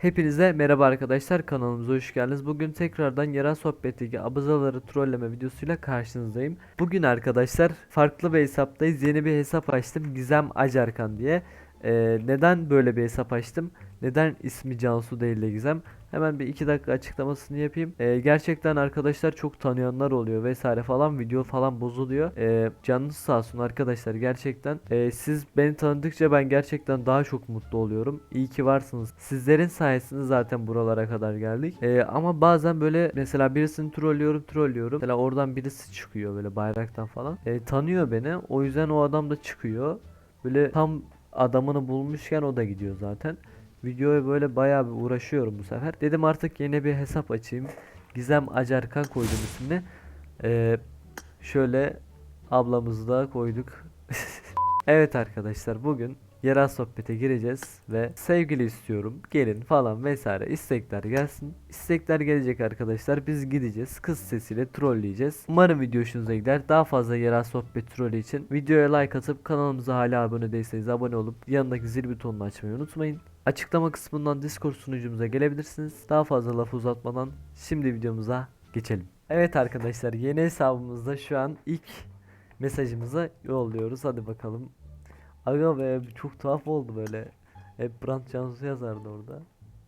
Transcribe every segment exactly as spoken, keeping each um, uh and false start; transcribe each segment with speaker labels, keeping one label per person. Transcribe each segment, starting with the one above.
Speaker 1: Hepinize merhaba arkadaşlar, kanalımıza hoş geldiniz. Bugün tekrardan yerel sohbetteki abuzaları trolleme videosuyla karşınızdayım. Bugün arkadaşlar farklı bir hesaptayız. Yeni bir hesap açtım, Gizem Acarkan diye. Ee, neden böyle bir hesap açtım? Neden ismi Cansu değil de Gizem? Hemen bir iki dakika açıklamasını yapayım. Ee, gerçekten arkadaşlar çok tanıyanlar oluyor vesaire falan, video falan bozuluyor. Ee, canınız sağ olsun arkadaşlar, gerçekten. Ee, siz beni tanıdıkça ben gerçekten daha çok mutlu oluyorum. İyi ki varsınız. Sizlerin sayesinde zaten buralara kadar geldik. Ee, ama bazen böyle mesela birisini trollüyorum trollüyorum. Mesela oradan birisi çıkıyor böyle bayraktan falan. Ee, tanıyor beni. O yüzden o adam da çıkıyor. Böyle tam adamını bulmuşken o da gidiyor zaten. Videoya böyle bayağı bir uğraşıyorum bu sefer. Dedim artık yeni bir hesap açayım. Gizem Acarkan koydum ismini. Ee, şöyle ablamızı da koyduk. Evet arkadaşlar, bugün yerel sohbete gireceğiz ve sevgili istiyorum gelin falan vesaire istekler gelsin. İstekler gelecek arkadaşlar, biz gideceğiz kız sesiyle trolleyeceğiz. Umarım video hoşunuza gider. Daha fazla yerel sohbet trolü için videoya like atıp kanalımıza hala abone değilseniz abone olup yanındaki zil butonunu açmayı unutmayın. Açıklama kısmından Discord sunucumuza gelebilirsiniz. Daha fazla lafı uzatmadan şimdi videomuza geçelim. Evet arkadaşlar, yeni hesabımızda şu an ilk mesajımızı yolluyoruz. Hadi bakalım. Aga be, çok tuhaf oldu böyle. Hep Brand Cansu yazardı orada.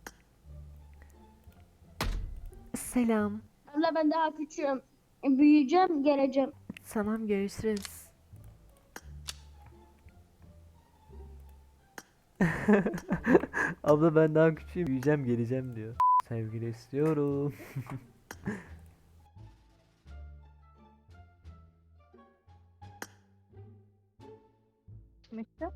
Speaker 2: Selam.
Speaker 3: Abla ben daha küçüğüm. Büyüyeceğim, geleceğim.
Speaker 2: Tamam, görüşürüz.
Speaker 1: Abla ben daha küçüğüm, büyüyeceğim geleceğim diyor. Sevgili istiyorum.
Speaker 3: Mektup.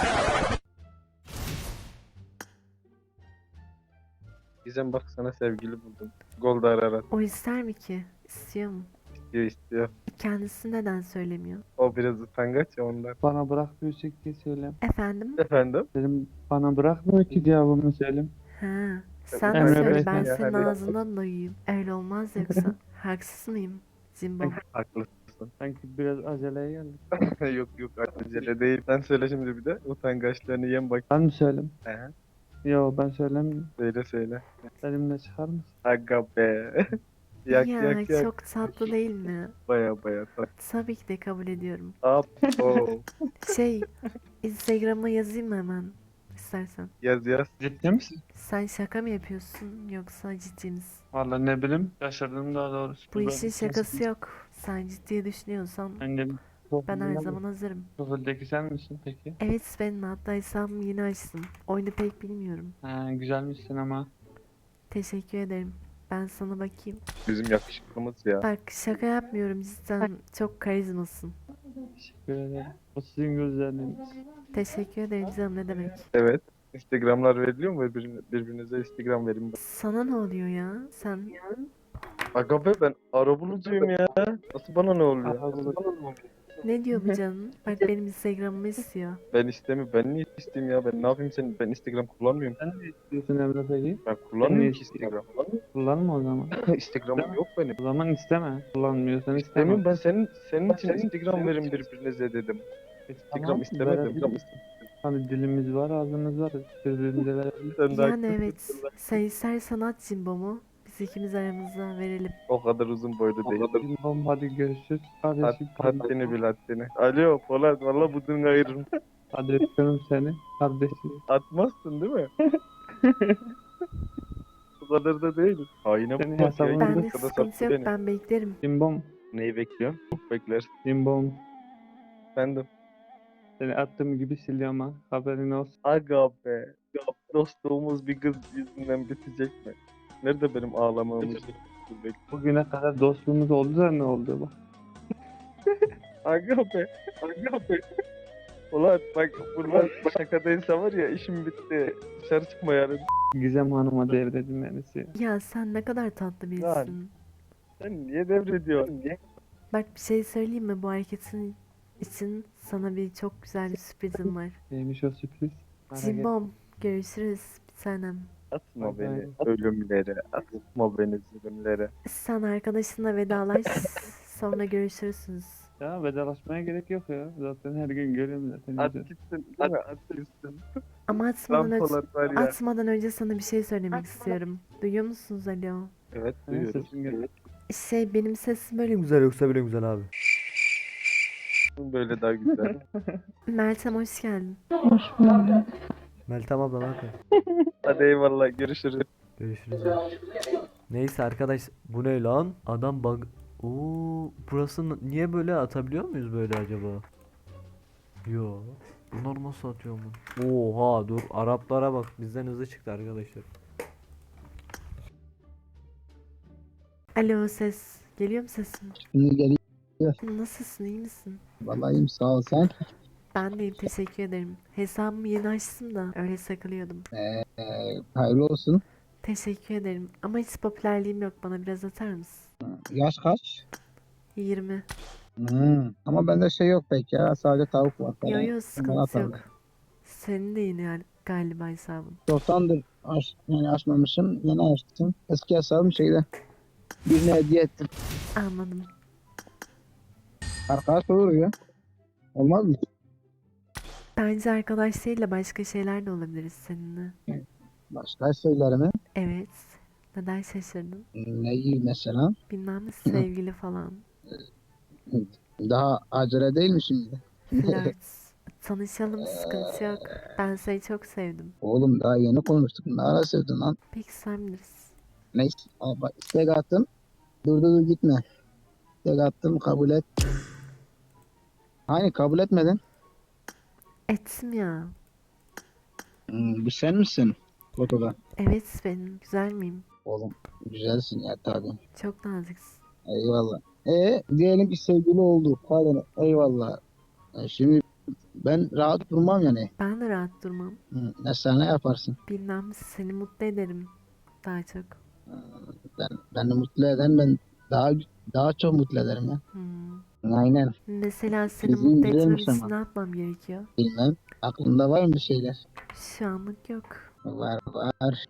Speaker 4: Gizem bak sana sevgili buldum. Goldar Arat
Speaker 2: O ister mi ki? İstiyor mu?
Speaker 4: istiyor istiyor.
Speaker 2: Kendisi neden söylemiyor?
Speaker 4: O biraz utangaç ya ondan.
Speaker 5: Bana bırakmıyor diye söyle.
Speaker 2: Efendim?
Speaker 4: Efendim?
Speaker 5: Dedim bana bırakmıyor ki cevabımı söyle.
Speaker 2: Ha, sen
Speaker 4: Emre
Speaker 2: de söyle,
Speaker 5: Bey
Speaker 2: ben
Speaker 4: ya,
Speaker 2: senin
Speaker 4: hadi.
Speaker 2: ağzından duyayım. Öyle olmaz yoksa. Haksız mıyım? Zimbom.
Speaker 4: Haklısın.
Speaker 5: Sanki biraz aceleye geldik.
Speaker 4: Yok yok acele değil. Sen söyle şimdi bir de. Utangaçlarını yem bak.
Speaker 5: Ben mi söyleyeyim?
Speaker 4: He,
Speaker 5: Yo, ben söylemiyorum.
Speaker 4: söyle söyle.
Speaker 5: Benimle çıkar mısın?
Speaker 4: Aga be. yak
Speaker 2: Ya
Speaker 4: yak yak.
Speaker 2: çok tatlı değil mi?
Speaker 4: Baya baya tat.
Speaker 2: Tabii ki de kabul ediyorum.
Speaker 4: Up. Oh.
Speaker 2: Şey, Instagram'a yazayım mı hemen? İstersen.
Speaker 4: Yaz yaz.
Speaker 5: Ciddi misin?
Speaker 2: Sen şaka mı yapıyorsun yoksa ciddi misin?
Speaker 5: Vallahi ne bileyim. Şaşırdım daha doğrusu.
Speaker 2: Bu işin şakası yok. Sen ciddiye düşünüyorsan
Speaker 5: Ben de
Speaker 2: ben her zaman hazırım.
Speaker 5: Profildeki sen misin peki?
Speaker 2: Evet, benim, hatta hesabımı yeni açtım. Oyunu pek bilmiyorum.
Speaker 5: Ha, güzelmişsin ama.
Speaker 2: Teşekkür ederim. Ben sana bakayım.
Speaker 4: Bizim yakışıklımız ya.
Speaker 2: Bak, şaka yapmıyorum, cidden çok karizmasın.
Speaker 5: Teşekkür ederim. O sizin gözleriniz.
Speaker 2: Teşekkür ederim canım, ne demek.
Speaker 4: Evet. Instagramlar veriliyor mu? Birbirine, birbirinize Instagram verin.
Speaker 2: Sana ne oluyor ya? Sen
Speaker 4: Aga be ben arabulucuyum ya. Nasıl bana ne oluyor? Nasıl bana ne oluyor?
Speaker 2: ne diyor bu canım? Bak, benim Instagram'ımı istiyor.
Speaker 4: Ben istemiyorum. Ben niye isteyeyim ya? Ben ne yapayım senin? Ben Instagram kullanmıyorum.
Speaker 5: Sen ne istiyorsun Emre peki?
Speaker 4: Ben kullanmıyorum ki
Speaker 5: Instagram?
Speaker 4: Instagram.
Speaker 5: Kullanma o zaman.
Speaker 4: Instagram'ım yok benim.
Speaker 5: O zaman isteme. Kullanmıyorsan isteme.
Speaker 4: İstemiyorum ben senin senin için Instagram verin birbirinize dedim. Instagram
Speaker 5: Tamam,
Speaker 4: istemedim.
Speaker 5: verebiliriz. Hani dilimiz var, ağzımız var. Birbirimize verebiliriz.
Speaker 4: Sen de
Speaker 2: Yani
Speaker 4: haklısın.
Speaker 2: evet, sen istersen at Cimbom'u. Biz ikimiz aramızda verelim.
Speaker 4: O kadar uzun boylu değil.
Speaker 5: Tamam, hadi görüşürüz.
Speaker 4: Had,
Speaker 5: Kardeşim.
Speaker 4: haddini bil haddini. Alo Polat valla budunu ayırırım.
Speaker 5: Hadi öpüyorum seni. Kardeşim.
Speaker 4: Atmazsın değil mi? Bu kadar da değil. Haine
Speaker 5: Senin
Speaker 4: bak ya.
Speaker 5: hesabın-
Speaker 4: yirmi
Speaker 2: Bende
Speaker 4: dakikada
Speaker 2: sıkıntı
Speaker 4: sattı
Speaker 2: yok,
Speaker 4: beni.
Speaker 2: ben beklerim.
Speaker 5: Cimbom.
Speaker 4: Neyi bekliyorsun? Beklersin.
Speaker 5: Cimbom.
Speaker 4: Efendim.
Speaker 5: Seni attığım gibi siliyorum ha. Haberin olsun.
Speaker 4: Aga be. Ya, dostluğumuz bir kız yüzünden bitecek mi? Nerede benim ağlamamız? Bek-
Speaker 5: Bugüne kadar dostluğumuz oldu da ne oldu bak.
Speaker 4: Aga be. Aga be. Ulan bak bunlar şakadaysa var ya işim bitti. Dışarı çıkma yarın.
Speaker 5: Gizem Hanım'a devredin beni.
Speaker 2: Ya sen ne kadar tatlı birisin.
Speaker 4: Sen niye devrediyorsun? Niye?
Speaker 2: Bak, bir şey söyleyeyim mi? Bu hareketin için sana bir çok güzel bir sürprizim var.
Speaker 5: Neymiş o sürpriz? Merak etme.
Speaker 2: Cimbom, görüşürüz bir tanem.
Speaker 4: Atma
Speaker 5: Bye
Speaker 4: beni
Speaker 5: bye.
Speaker 4: ölümlere. Atma beni zulümlere.
Speaker 2: Sen arkadaşınla vedalaş, sonra görüşürsünüz.
Speaker 5: Ya vedalaşmaya gerek yok ya. Zaten her gün görüyorum zaten.
Speaker 4: At
Speaker 5: yüzünü.
Speaker 4: gitsin değil mi? At gitsin.
Speaker 2: Ama atmadan,
Speaker 4: Lan
Speaker 2: önce,
Speaker 4: Polat var ya.
Speaker 2: atmadan önce sana bir şey söylemek istiyorum. Duyuyor musunuz alo?
Speaker 4: Evet
Speaker 5: Ha,
Speaker 4: duyuyoruz.
Speaker 5: sesin gel-
Speaker 2: Şey benim sesim böyle
Speaker 1: Güzel yoksa bile güzel abi.
Speaker 4: Böyle daha güzel.
Speaker 2: Meltem hoş geldin.
Speaker 1: Meltem abla ne yapıyor?
Speaker 4: Hadi eyvallah görüşürüz.
Speaker 1: Görüşürüz abi. Neyse arkadaş bu ne lan? Adam bug... Oo, burası n- niye böyle atabiliyor muyuz böyle acaba? Yo. Bunlar nasıl atıyor mu? Oha dur Araplara bak bizden hızlı çıktı arkadaşlar.
Speaker 2: Alo ses. Geliyor mu sesim?
Speaker 6: Şimdi geliyor.
Speaker 2: Nasılsın iyi misin?
Speaker 6: Vallahi iyiyim sağ ol sen.
Speaker 2: Ben deyim teşekkür ederim. Hesabımı yeni açtım da öyle sakılıyordum.
Speaker 6: Ee, hayırlı olsun.
Speaker 2: Teşekkür ederim. Ama hiç popülerliğim yok. Bana biraz atar mısın?
Speaker 6: Yaş kaç?
Speaker 2: yirmi.
Speaker 6: Hmm. Ama bende şey yok pek ya. Sadece tavuk var falan.
Speaker 2: Yo yo
Speaker 6: Ondan
Speaker 2: sıkıntı
Speaker 6: atarım.
Speaker 2: yok. Senin de yeni yani galiba hesabın.
Speaker 6: Çoktandır aç, yani açmamışım. Yeni açtım. Eski hesabım şeyde. Birine hediye ettim.
Speaker 2: Anladım.
Speaker 6: Arkadaş olur ya. Olmaz mı?
Speaker 2: Bence arkadaş değil de başka şeyler de olabiliriz seninle.
Speaker 6: Başka şeylerimi.
Speaker 2: Evet. Neden şaşırdın?
Speaker 6: Ne gibi mesela?
Speaker 2: Bilmem sevgili falan.
Speaker 6: Daha acele değil mi şimdi?
Speaker 2: Flört. Tanışalım sıkıntı yok. Ben seni çok sevdim.
Speaker 6: Oğlum daha yeni konuştuk. Ne ara sevdin lan?
Speaker 2: Peki sen bilirsin.
Speaker 6: Neyse. Aa, bak istek attım. Dur dur dur gitme. İstek attım kabul et. Hani kabul etmedin?
Speaker 2: Ettim ya.
Speaker 6: Hmm, bu sen misin? Fotoda.
Speaker 2: Evet benim. Güzel miyim?
Speaker 6: Oğlum güzelsin ya tabii.
Speaker 2: Çok naziksin.
Speaker 6: Eyvallah. E diyelim ki sevgili olduk. Hadi eyvallah. E, şimdi ben rahat durmam yani.
Speaker 2: Ben de rahat durmam.
Speaker 6: Hı, mesela ne yaparsın?
Speaker 2: Bilmem seni mutlu ederim. Daha çok.
Speaker 6: Ben beni mutlu eden ben daha daha çok mutlu ederim ya.
Speaker 2: Hmm.
Speaker 6: Aynen.
Speaker 2: Mesela seni
Speaker 6: Bizi
Speaker 2: mutlu etmem
Speaker 6: güzelmiş
Speaker 2: için
Speaker 6: ama.
Speaker 2: ne yapmam gerekiyor?
Speaker 6: Bilmem. Aklında var mı bir şeyler?
Speaker 2: Şu anlık yok.
Speaker 6: Var var.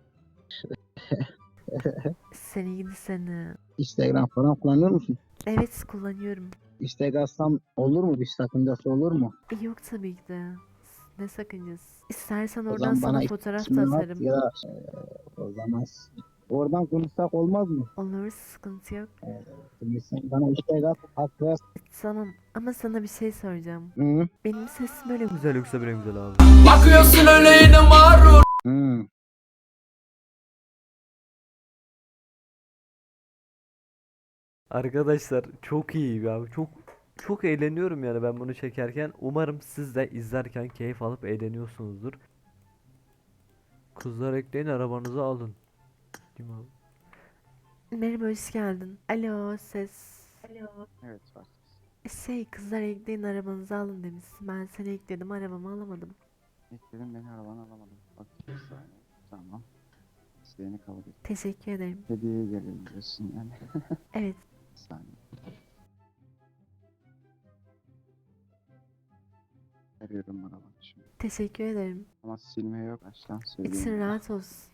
Speaker 2: Seni gidi seni.
Speaker 6: Instagram falan kullanıyor musun?
Speaker 2: Evet kullanıyorum.
Speaker 6: İstek atsam olur mu? Bir sakıncası olur mu?
Speaker 2: E, Yok tabii ki de. Ne sakıncası. İstersen
Speaker 6: O
Speaker 2: oradan
Speaker 6: zaman
Speaker 2: sana
Speaker 6: bana
Speaker 2: fotoğraf da
Speaker 6: ismini at
Speaker 2: atarım.
Speaker 6: ya da e, o zaman oradan konuşsak olmaz mı?
Speaker 2: Olur sıkıntı yok.
Speaker 6: Şimdi sen bana istek at, atlas.
Speaker 2: Tamam ama sana bir şey soracağım.
Speaker 6: Hı.
Speaker 2: Benim sesim böyle
Speaker 1: Güzel yoksa bile güzel abi.
Speaker 6: Hı.
Speaker 1: Arkadaşlar çok iyi abi. Çok çok eğleniyorum yani ben bunu çekerken. Umarım siz de izlerken keyif alıp eğleniyorsunuzdur. Kızlar ekleyin arabanızı alın. Değil mi abi?
Speaker 2: Merhaba hoş geldin. Alo ses. Alo.
Speaker 4: Evet var.
Speaker 2: Şey kızlar ekleyin arabanızı alın demişsin. Ben seni ekledim arabamı alamadım.
Speaker 7: Ekledim beni arabanı alamadım. Bak bir saniye. Tamam. İsteğini kabul et.
Speaker 2: Teşekkür ederim.
Speaker 7: Hediyeye gelelim diyorsun yani.
Speaker 2: Evet.
Speaker 7: Bir saniye. Arıyorum arabanı şimdi.
Speaker 2: Teşekkür ederim.
Speaker 7: Ama silme yok. Baştan
Speaker 2: İçin
Speaker 7: söyleyeyim.
Speaker 2: rahat olsun.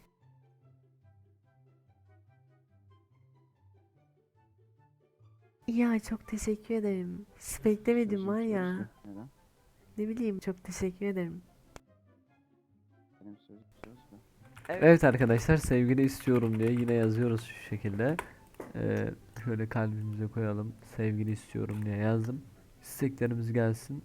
Speaker 2: Ya çok teşekkür ederim. Hiç beklemedim
Speaker 7: Sözüm
Speaker 2: var
Speaker 7: sözü.
Speaker 2: ya.
Speaker 7: Neden?
Speaker 2: Ne bileyim çok teşekkür ederim.
Speaker 7: Benim sözüm söz mü?
Speaker 1: Evet arkadaşlar sevgili istiyorum diye yine yazıyoruz şu şekilde. Ee, şöyle kalbimize koyalım. Sevgili istiyorum diye yazdım. İsteklerimiz gelsin.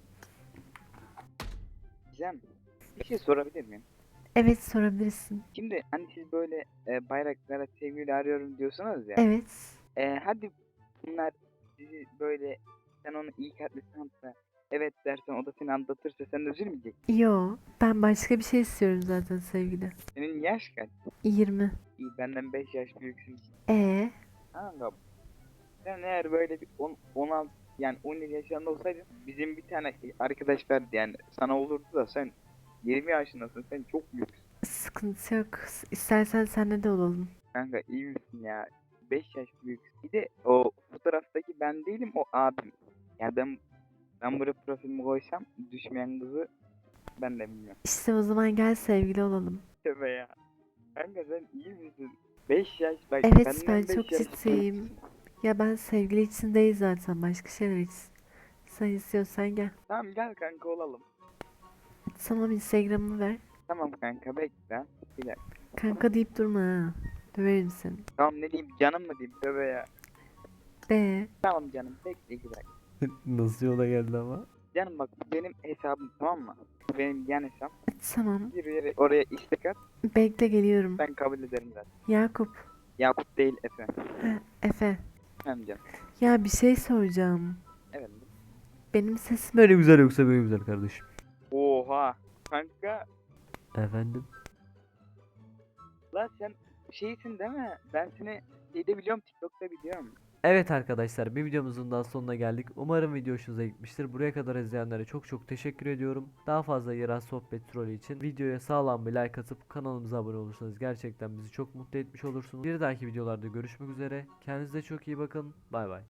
Speaker 8: Gizem, bir şey sorabilir miyim?
Speaker 2: Evet sorabilirsin.
Speaker 8: Şimdi hani siz böyle e, bayraklara sevgili arıyorum diyorsunuz ya.
Speaker 2: Evet.
Speaker 8: E, hadi bunlar sizi böyle sen onu iyi kalpli sanatla evet dersen o da seni aldatırsa sen üzülmeyecek.
Speaker 2: Yo ben başka bir şey istiyorum zaten sevgili.
Speaker 8: Senin yaş kaç?
Speaker 2: yirmi.
Speaker 8: İyi benden beş yaş büyüksün.
Speaker 2: E
Speaker 8: Kanka sen eğer böyle bir on, on altı yani on yedi yaşında olsaydın bizim bir tane arkadaş verdi yani sana olurdu da sen yirmi yaşındasın sen çok büyüksün.
Speaker 2: sıkıntı yok. İstersen senle de olalım.
Speaker 8: Kanka iyi misin ya? beş yaş büyük. Bir de o fotoğraftaki ben değilim o abim. Yani ben ben buraya profilimi koysam düşmeyen kızı ben de bilmiyorum.
Speaker 2: İşte o zaman gel sevgili olalım.
Speaker 8: Tövbe ya. Kanka sen iyi misin? beş yaş bak
Speaker 2: Evet
Speaker 8: benden
Speaker 2: ben
Speaker 8: beş
Speaker 2: çok
Speaker 8: yaş
Speaker 2: ciddiyim.
Speaker 8: büyüksün.
Speaker 2: Ya ben sevgili için değil zaten başka şeyler için. Sen istiyorsan gel.
Speaker 8: Tamam gel kanka olalım.
Speaker 2: Tamam Instagram'ımı ver.
Speaker 8: Tamam kanka bekle. Bir dakika.
Speaker 2: Kanka deyip durma ha. Döverim seni.
Speaker 8: Tamam ne diyeyim canım mı diyeyim tövbe ya.
Speaker 2: De.
Speaker 8: Tamam canım bekle iki dakika.
Speaker 1: Nasıl yola geldi ama?
Speaker 8: Canım bak bu benim hesabım tamam mı? Bu benim yan hesap.
Speaker 2: Tamam.
Speaker 8: Bir yere oraya istek at
Speaker 2: Bekle geliyorum.
Speaker 8: ben kabul ederim zaten.
Speaker 2: Yakup.
Speaker 8: Yakup değil Efe.
Speaker 2: Ha, Efe.
Speaker 8: Hem canım.
Speaker 2: Ya bir şey soracağım.
Speaker 8: Evet.
Speaker 2: Benim sesim
Speaker 1: Böyle güzel yoksa böyle güzel kardeşim.
Speaker 8: Oha. Kanka
Speaker 1: Efendim?
Speaker 8: la sen şeysin değil mi? Ben seni şeyde biliyorum TikTok'ta biliyorum.
Speaker 1: Evet arkadaşlar bir videomuzun daha sonuna geldik. Umarım video hoşunuza gitmiştir. Buraya kadar izleyenlere çok çok teşekkür ediyorum. Daha fazla yerel sohbet trolü için videoya sağlam bir like atıp kanalımıza abone olursanız gerçekten bizi çok mutlu etmiş olursunuz. Bir dahaki videolarda görüşmek üzere. Kendinize çok iyi bakın. Bay bay.